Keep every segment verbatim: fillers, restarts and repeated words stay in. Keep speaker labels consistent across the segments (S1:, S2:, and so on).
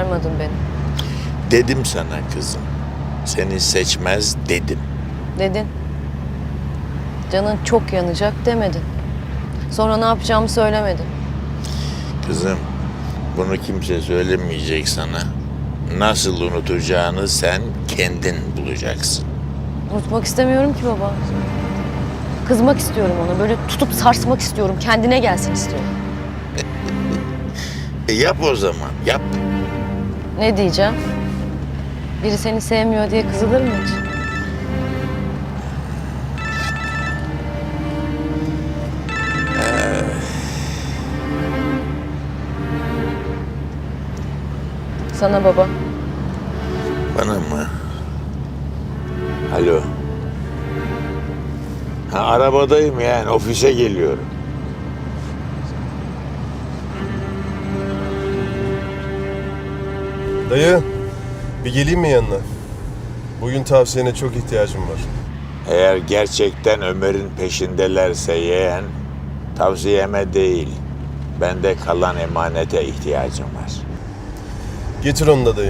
S1: kurtarmadın beni.
S2: Dedim sana kızım. Seni seçmez dedim.
S1: Dedin. Canın çok yanacak demedin. Sonra ne yapacağımı söylemedin.
S2: Kızım, bunu kimse söylemeyecek sana. Nasıl unutacağını sen kendin bulacaksın.
S1: Unutmak istemiyorum ki baba. Kızmak istiyorum ona. Böyle tutup sarsmak istiyorum. Kendine gelsin istiyorum.
S2: E yap o zaman, yap.
S1: Ne diyeceğim? Biri seni sevmiyor diye kızılır mı hiç? Sana baba.
S2: Bana mı? Alo. Ha, arabadayım yani, ofise geliyorum.
S3: Dayı, bir geleyim mi yanına? Bugün tavsiyene çok ihtiyacım var.
S2: Eğer gerçekten Ömer'in peşindelerse yeğen, tavsiyeme değil, bende kalan emanete ihtiyacım var.
S3: Getir onu da dayı.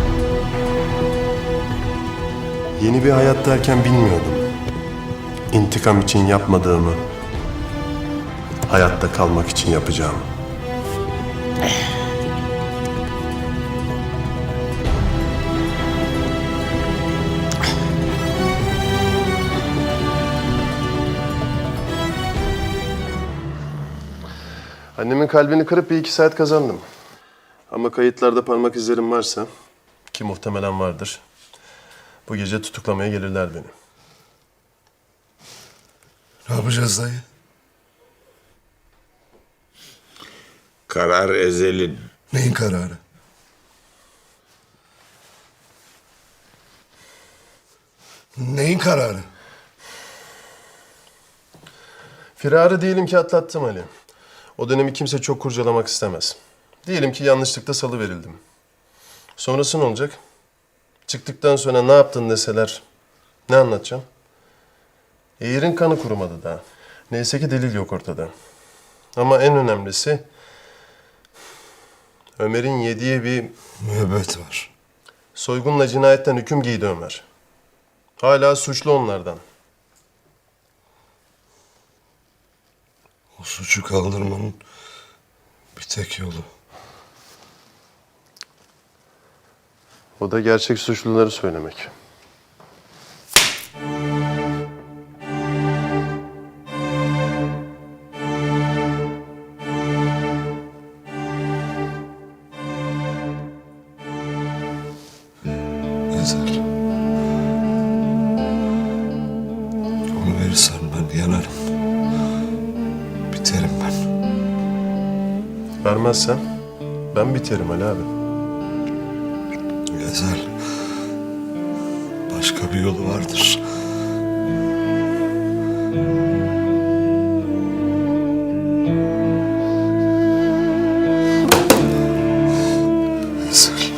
S3: Yeni bir hayat derken bilmiyordum. İntikam için yapmadığımı, hayatta kalmak için yapacağım. Annemin kalbini kırıp bir iki saat kazandım. Ama kayıtlarda parmak izlerim varsa, ki muhtemelen vardır, bu gece tutuklamaya gelirler beni.
S4: Ne yapacağız dayı?
S2: Karar ezelin.
S4: Neyin kararı? Neyin kararı?
S3: Firarı diyelim ki atlattım Ali. O dönemi kimse çok kurcalamak istemez. Diyelim ki yanlışlıkla salıverildim. Sonrası ne olacak? Çıktıktan sonra ne yaptın deseler ne anlatacağım? Eğir'in kanı kurumadı daha. Neyse ki delil yok ortada. Ama en önemlisi Ömer'in yediği bir
S4: Müebbet var.
S3: soygunla cinayetten hüküm giydi Ömer. Hala suçlu onlardan.
S4: O suçu kaldırmanın bir tek yolu.
S3: O da gerçek suçluları söylemek.
S4: Ezel. Onu verirsen ben yanarım. Biterim ben.
S3: Vermezsem ben biterim Ali abi.
S4: Ezel. Başka bir yolu vardır. Ezel.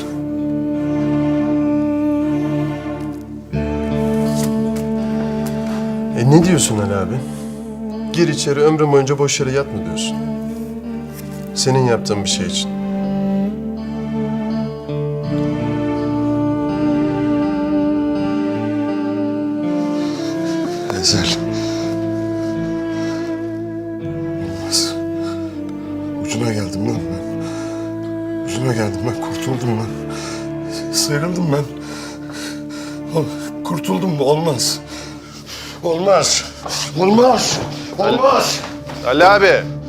S3: E ne diyorsun Ali abi? Gir içeri ömrüm boyunca boş yere yatma diyorsun. Senin yaptığın bir şey için.
S4: Ezel. Olmaz. Ucuna geldim lan ben. Ucuna geldim ben. Kurtuldum ben. Sıyrıldım ben. Ol- Kurtuldum mu? Olmaz. Olmaz. Olmaz. Olmaz.
S3: Ali abi!